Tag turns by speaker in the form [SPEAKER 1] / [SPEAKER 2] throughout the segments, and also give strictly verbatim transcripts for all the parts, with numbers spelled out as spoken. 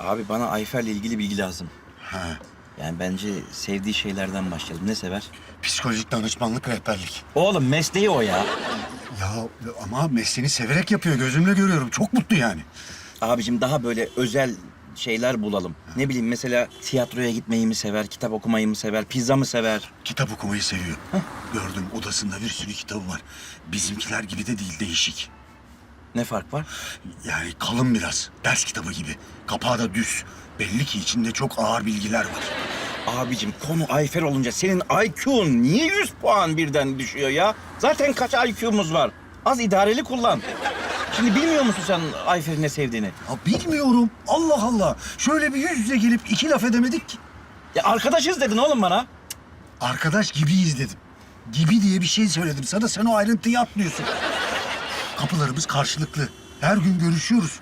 [SPEAKER 1] Abi bana Ayfer'le ilgili bilgi lazım.
[SPEAKER 2] Ha.
[SPEAKER 1] Yani bence sevdiği şeylerden başlayalım. Ne sever?
[SPEAKER 2] Psikolojik danışmanlık, rehberlik.
[SPEAKER 1] Oğlum mesleği o ya.
[SPEAKER 2] Ya ama mesleğini severek yapıyor. Gözümle görüyorum. Çok mutlu yani.
[SPEAKER 1] Abicim daha böyle özel şeyler bulalım. Ne bileyim mesela tiyatroya gitmeyi mi sever, kitap okumayı mı sever, pizza mı sever?
[SPEAKER 2] Kitap okumayı seviyor. Gördüm, odasında bir sürü kitabı var. Bizimkiler gibi de değil, değişik.
[SPEAKER 1] Ne fark var?
[SPEAKER 2] Yani kalın biraz. Ders kitabı gibi. Kapağı da düz. Belli ki içinde çok ağır bilgiler var.
[SPEAKER 1] Abicim konu Ayfer olunca senin I Q'un niye yüz puan birden düşüyor ya? Zaten kaç I Q'muz var? Az idareli kullan. Şimdi bilmiyor musun sen Ayfer'in ne sevdiğini?
[SPEAKER 2] Ya bilmiyorum. Allah Allah. Şöyle bir yüz yüze gelip iki laf edemedik ki.
[SPEAKER 1] Ya arkadaşız dedin oğlum bana.
[SPEAKER 2] Arkadaş gibiyiz dedim. Gibi diye bir şey söyledim sana. Sen o ayrıntıyı atlıyorsun. Kapılarımız karşılıklı. Her gün görüşüyoruz.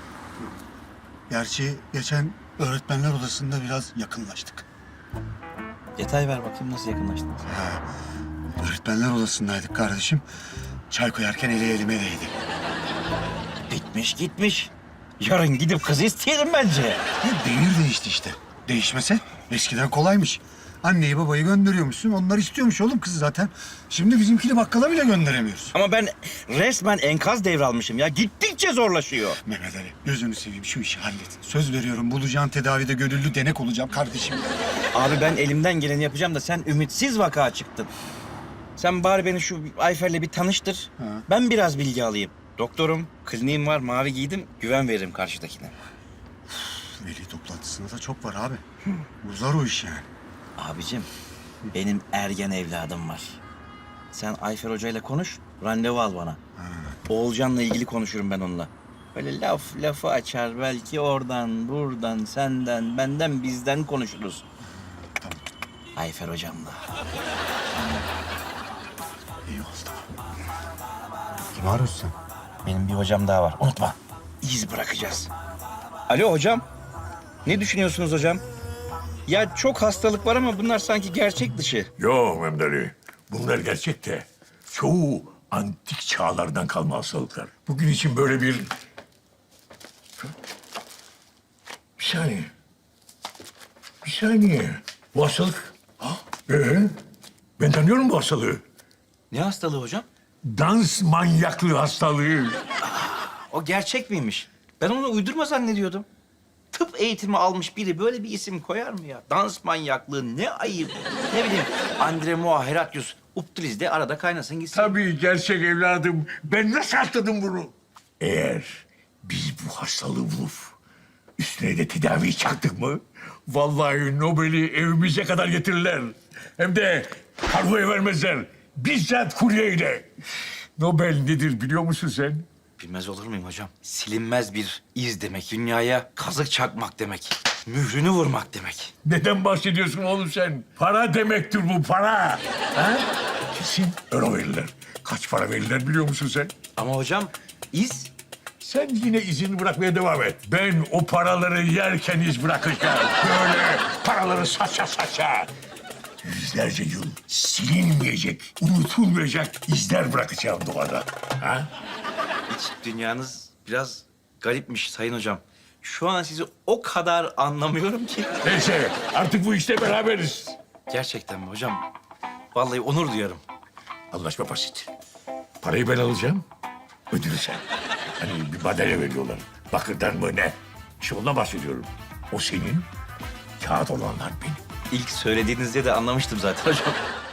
[SPEAKER 2] Gerçi geçen öğretmenler odasında biraz yakınlaştık.
[SPEAKER 1] Detay ver bakayım nasıl yakınlaştınız?
[SPEAKER 2] Ha, öğretmenler odasındaydık kardeşim. Çay koyarken eli elime değdi.
[SPEAKER 1] Bitmiş gitmiş. Yarın gidip kızı isteyelim bence.
[SPEAKER 2] Ya devir değişti işte. Değişmese eskiden kolaymış. Anneyi babayı gönderiyormuşsun. Onlar istiyormuş oğlum kızı zaten. Şimdi bizimkini bakkala bile gönderemiyoruz.
[SPEAKER 1] Ama ben resmen enkaz devralmışım ya. Gittikçe zorlaşıyor.
[SPEAKER 2] Mehmet Ali gözünü seveyim şu işi hallet. Söz veriyorum bulacağın tedavide gönüllü denek olacağım kardeşim.
[SPEAKER 1] Abi ben elimden geleni yapacağım da sen ümitsiz vaka çıktın. Sen bari beni şu Ayfer'le bir tanıştır.
[SPEAKER 2] Ha.
[SPEAKER 1] Ben biraz bilgi alayım. Doktorum, kliniğim var, mavi giydim. Güven veririm karşıdakine.
[SPEAKER 2] Veli toplantısında da çok var abi. Uzar o iş yani.
[SPEAKER 1] Abicim, benim ergen evladım var. Sen Ayfer Hoca ile konuş, randevu al bana. Oğulcan'la ilgili konuşurum ben onunla. Böyle laf lafı açar belki oradan, buradan, senden, benden, bizden konuşuruz.
[SPEAKER 2] Tamam.
[SPEAKER 1] Ayfer Hocam'la.
[SPEAKER 2] İyi oldu. Kim arıyorsun sen?
[SPEAKER 1] Benim bir hocam daha var, unutma. İz bırakacağız. Alo hocam. Ne düşünüyorsunuz hocam? Ya çok hastalık var ama bunlar sanki gerçek dışı.
[SPEAKER 3] Yok Mehmet Ali. Bunlar gerçek de çoğu antik çağlardan kalma hastalıklar. Bugün için böyle bir... Bir saniye. Bir saniye. Bu hastalık... Ha? Ee, ben tanıyorum bu hastalığı.
[SPEAKER 1] Ne hastalığı hocam?
[SPEAKER 3] Dans manyaklığı hastalığı.
[SPEAKER 1] O gerçek miymiş? Ben onu uydurma zannediyordum. Tıp eğitimi almış biri böyle bir isim koyar mı ya? Dans manyaklığı ne ayıp. Ne bileyim Andremoa Heratius Uptiliz de arada kaynasın gitsin.
[SPEAKER 3] Tabii gerçek evladım. Ben nasıl atladım bunu? Eğer biz bu hastalığı bulup üstüne de tedaviyi çaktık mı... vallahi Nobel'i evimize kadar getirirler. Hem de kargoya vermezler. Bizzat kuryeyle. Nobel nedir biliyor musun sen?
[SPEAKER 1] Bilmez olur muyum hocam? Silinmez bir iz demek. Dünyaya kazık çakmak demek. Mührünü vurmak demek.
[SPEAKER 3] Neden bahsediyorsun oğlum sen? Para demektir bu, para. Ha? Kesin euro verirler. Kaç para verirler biliyor musun sen?
[SPEAKER 1] Ama hocam iz
[SPEAKER 3] Sen yine izini bırakmaya devam et. Ben o paraları yerken iz bırakacağım. Böyle paraları saça saça. Yüzlerce yıl silinmeyecek, unutulmayacak izler bırakacağım doğada. Ha?
[SPEAKER 1] iç dünyanız biraz garipmiş sayın hocam. Şu an sizi o kadar anlamıyorum ki.
[SPEAKER 3] Neyse artık bu işte beraberiz.
[SPEAKER 1] Gerçekten mi hocam? Vallahi onur duyarım.
[SPEAKER 3] Anlaşma basit. Parayı ben alacağım, ödülü sen. Hani bir madalya veriyorlar. Bakırdan mı ne? İşte ondan bahsediyorum. O senin, kağıt olanlar benim.
[SPEAKER 1] İlk söylediğinizde de anlamıştım zaten hocam.